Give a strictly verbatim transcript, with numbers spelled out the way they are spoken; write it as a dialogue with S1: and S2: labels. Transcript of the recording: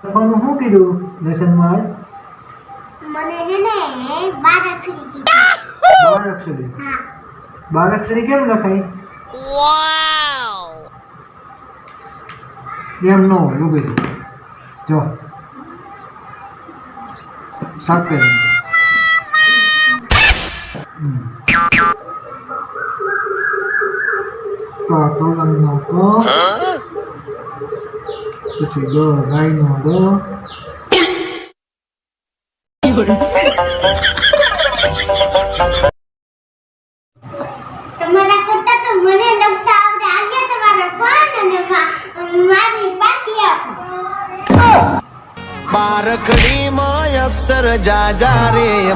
S1: પણ શું કીધું લેસનમાં
S2: મને હે ને બાર અક્ષરી કીધી
S1: બાર અક્ષરી
S2: હા
S1: બાર અક્ષરી કેમ લખાય
S3: વાવ
S1: એમ ન હોય એવું કીધું જો સાફ કરી તો તો લંગનો તો પછી ગ ગાયનો ગ
S2: તમારા કરતા તો મને લખતા આવડે આજે તમારો ફોન અને મારી પાટી આપો
S3: બારખડી માં અક્ષર જા જા રે